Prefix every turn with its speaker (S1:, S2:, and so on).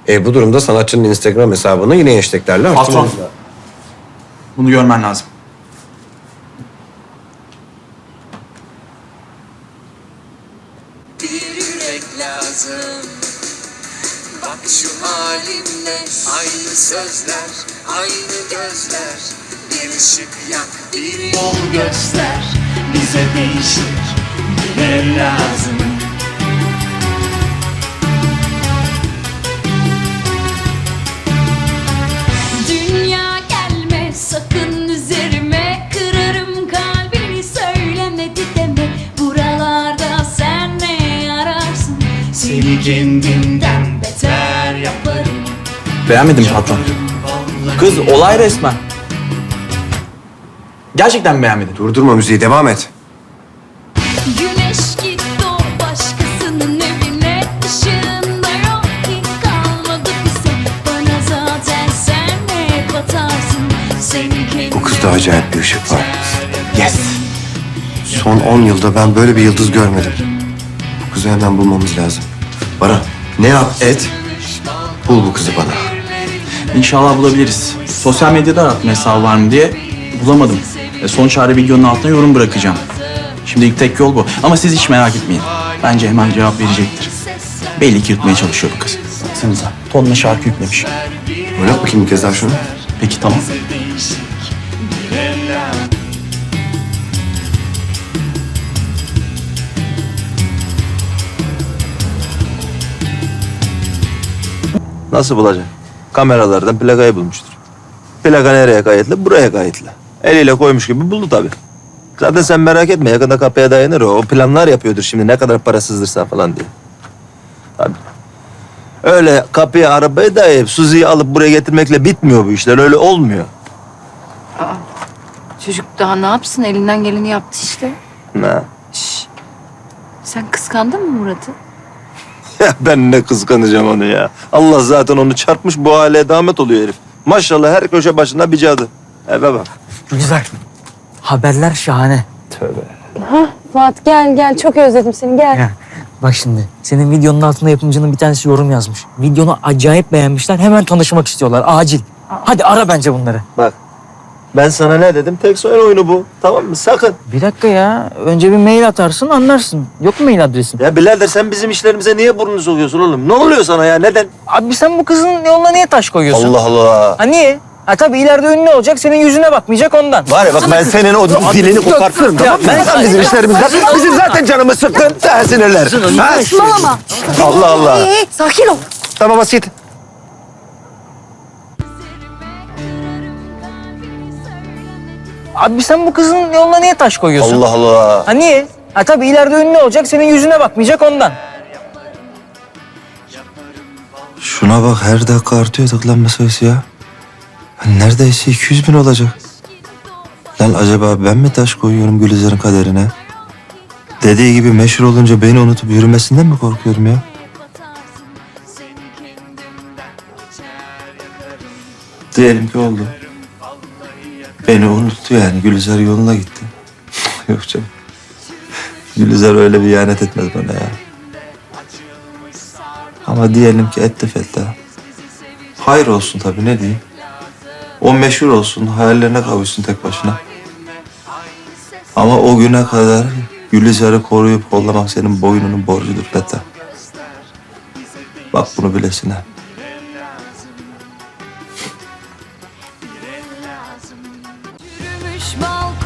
S1: Bu durumda sanatçının Instagram hesabını yine hashtaglerle
S2: Patron.
S1: açtırmamız lazım.
S2: Bunu görmen lazım.
S3: Bir yürek lazım. Bak şu halimle aynı sözler, aynı gözler. Bir ışık yak, bir yol göster. Bize değişik bir el lazım.
S4: Dünya gelme sakın üzerime, kırarım kalbini söylemedi deme. Buralarda sen ne ararsın?
S3: Seni kendimden beter yaparım.
S2: Beğenmedim patron. Kız olay resmen. Gerçekten beğenmedim.
S1: Durdurma müziği, devam et.
S4: Güneş gitti o başkasının evine, ışığında yok ki kalmadı bize. Bana zaten sen ne batarsın? Seni kendine
S1: Bu kızda acayip bir ışık var.
S2: Yes.
S1: Son 10 yılda ben böyle bir yıldız görmedim. Bu kızı hemen bulmamız lazım. Baran, ne yap et, bul bu kızı bana.
S2: İnşallah bulabiliriz. Sosyal medyada arattım hesabı var mı diye. Bulamadım. Son çare videonun altına yorum bırakacağım. Şimdilik tek yol bu. Ama siz hiç merak etmeyin. Bence hemen cevap verecektir. Belli ki yutmaya çalışıyor bu kız. Baksanıza. Tonla şarkı yüklemiş.
S1: Oynat bakayım bir kez daha şunu.
S2: Peki tamam.
S5: Nasıl bulacak? Kameralardan plakayı bulmuştur. Plaka nereye kayıtlı? Buraya kayıtlı. Eliyle koymuş gibi buldu tabii. Zaten sen merak etme, yakında kapıya dayanır o. O planlar yapıyordur şimdi, ne kadar para sızdırsan falan diye. Tabii. Öyle kapıya arabayı dayayıp Suzi'yi alıp buraya getirmekle bitmiyor bu işler. Öyle olmuyor.
S6: Çocuk daha ne yapsın? Elinden geleni yaptı işte.
S5: Ne?
S6: Sen kıskandın mı Murat'ı?
S5: Ya ben ne kıskanacağım onu ya. Allah zaten onu çarpmış, bu hale damet oluyor herif. Maşallah her köşe başında bir cadı. Eve bak.
S7: Güzel. Haberler şahane.
S8: Fuat gel çok özledim seni gel.
S7: Ya, bak şimdi senin videonun altında yapımcının bir tanesi yorum yazmış. Videonu acayip beğenmişler. Hemen tanışmak istiyorlar. Acil. Hadi ara bence bunları.
S5: Bak. Ben sana ne dedim? Tek soyun oyunu bu. Tamam mı? Sakın.
S7: Bir dakika ya. Önce bir mail atarsın anlarsın. Yok mu mail adresin?
S5: Ya birader sen bizim işlerimize niye burnunu sokuyorsun oğlum? Ne oluyor sana ya? Neden?
S7: Abi sen bu kızın yoluna niye taş koyuyorsun?
S5: Allah Allah.
S7: Ha niye? Ha tabii ileride ünlü olacak, senin yüzüne bakmayacak ondan.
S5: Var ya bak ben senin o dilini kopartırım tamam mı? Sen bizim işlerimizden, bizim zaten canımız sıkkın. Sen sinirler. Ha?
S8: Saçmalama.
S5: Allah Allah.
S8: Sakin ol.
S5: Tamam basit.
S7: Abi sen bu kızın yoluna niye taş koyuyorsun?
S5: Allah Allah.
S7: Ha niye? Ha tabii ileride ünlü olacak, senin yüzüne bakmayacak ondan.
S5: Şuna bak her dakika artıyor tıklanma sayısı ya. Neredeyse 200.000 olacak. Lan acaba ben mi taş koyuyorum Gülizar'ın kaderine? Dediği gibi meşhur olunca beni unutup yürümesinden mi korkuyorum ya? Diyelim ki oldu. Beni unuttu yani. Gülizar yoluna gitti. Yok canım. Gülizar öyle bir ihanet etmez bana ya. Ama diyelim ki etti Fettah. Hayır olsun tabii, ne diyeyim. O meşhur olsun, hayallerine kavuşsun tek başına. Ama o güne kadar Gülizar'ı koruyup kollamak senin boynunun borcudur Fettah. Bak bunu bilesin ha.
S4: yürümüş balkon.